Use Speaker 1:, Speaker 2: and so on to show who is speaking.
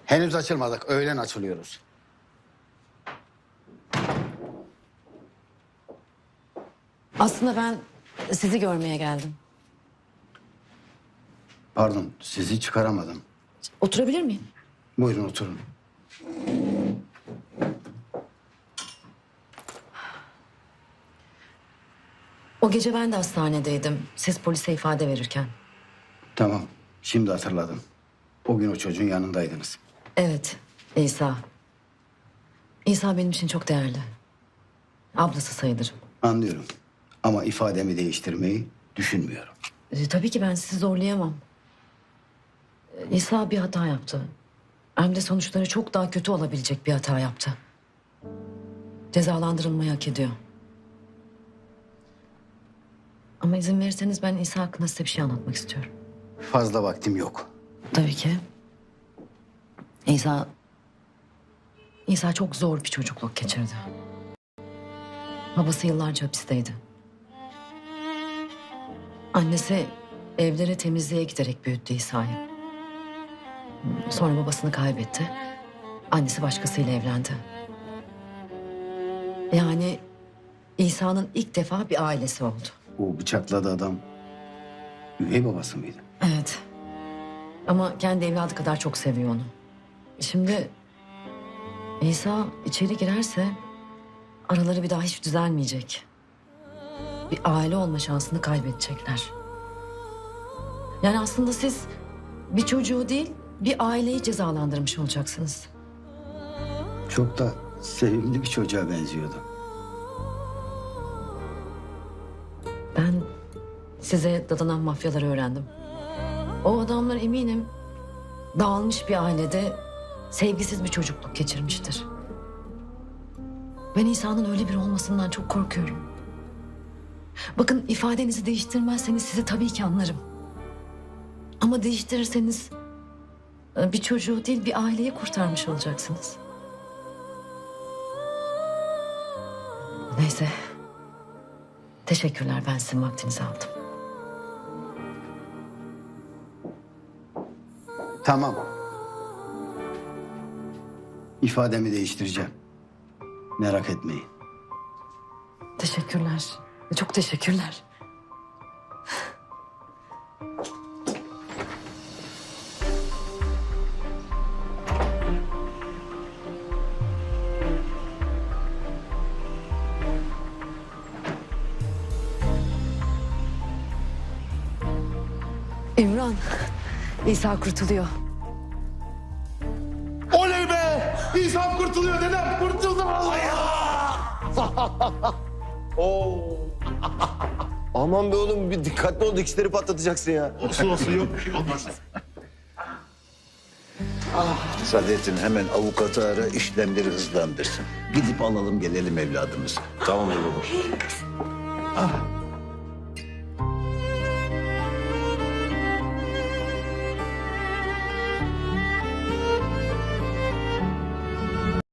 Speaker 1: Henüz açılmadık. Öğlen açılıyoruz.
Speaker 2: Aslında ben sizi görmeye geldim.
Speaker 1: Pardon, sizi çıkaramadım.
Speaker 2: Oturabilir miyim?
Speaker 1: Buyurun oturun.
Speaker 2: O gece ben de hastanedeydim. Siz polise ifade verirken.
Speaker 1: Tamam, şimdi hatırladım. O gün o çocuğun yanındaydınız.
Speaker 2: Evet, İsa. İsa benim için çok değerli. Ablası sayılırım.
Speaker 1: Anlıyorum. Ama ifademi değiştirmeyi düşünmüyorum.
Speaker 2: Tabii ki ben sizi zorlayamam. İsa bir hata yaptı. Hem de sonuçları çok daha kötü olabilecek bir hata yaptı. Cezalandırılmayı hak ediyor. Ama izin verirseniz ben İsa hakkında size bir şey anlatmak istiyorum.
Speaker 1: Fazla vaktim yok.
Speaker 2: Tabii ki. İsa çok zor bir çocukluk geçirdi. Babası yıllarca hapisteydi. Annesi evlere temizliğe giderek büyüttü İsa'yı. Sonra babasını kaybetti. Annesi başkasıyla evlendi. Yani İsa'nın ilk defa bir ailesi oldu.
Speaker 1: O bıçakladı adam üvey babası mıydı?
Speaker 2: Evet. Ama kendi evladı kadar çok seviyor onu. Şimdi İsa içeri girerse araları bir daha hiç düzelmeyecek. Bir aile olma şansını kaybedecekler. Yani aslında siz bir çocuğu değil bir aileyi cezalandırmış olacaksınız.
Speaker 1: Çok da sevimli bir çocuğa benziyordu.
Speaker 2: Ben size dadanan mafyaları öğrendim. O adamlar eminim dağılmış bir ailede sevgisiz bir çocukluk geçirmiştir. Ben İsa'nın öyle biri olmasından çok korkuyorum. Bakın ifadenizi değiştirmezseniz sizi tabii ki anlarım. Ama değiştirirseniz bir çocuğu değil bir aileyi kurtarmış olacaksınız. Neyse. Teşekkürler, ben sizin vaktinizi aldım.
Speaker 1: Tamam. İfademi değiştireceğim. Merak etmeyin.
Speaker 2: Teşekkürler. Çok teşekkürler. İmran, İsa kurtuluyor.
Speaker 3: Oley be! İnsan kurtuluyor dedem. Kurtuldu vallahi.
Speaker 4: Oo. Aman be oğlum bir dikkatli ol dikişleri patlatacaksın ya.
Speaker 3: Olsun olsun yok bir şey olmaz.
Speaker 5: Saadettin hemen avukatı ara, işlemleri hızlandırsın. Gidip alalım gelelim evladımızı.
Speaker 4: Tamam baba.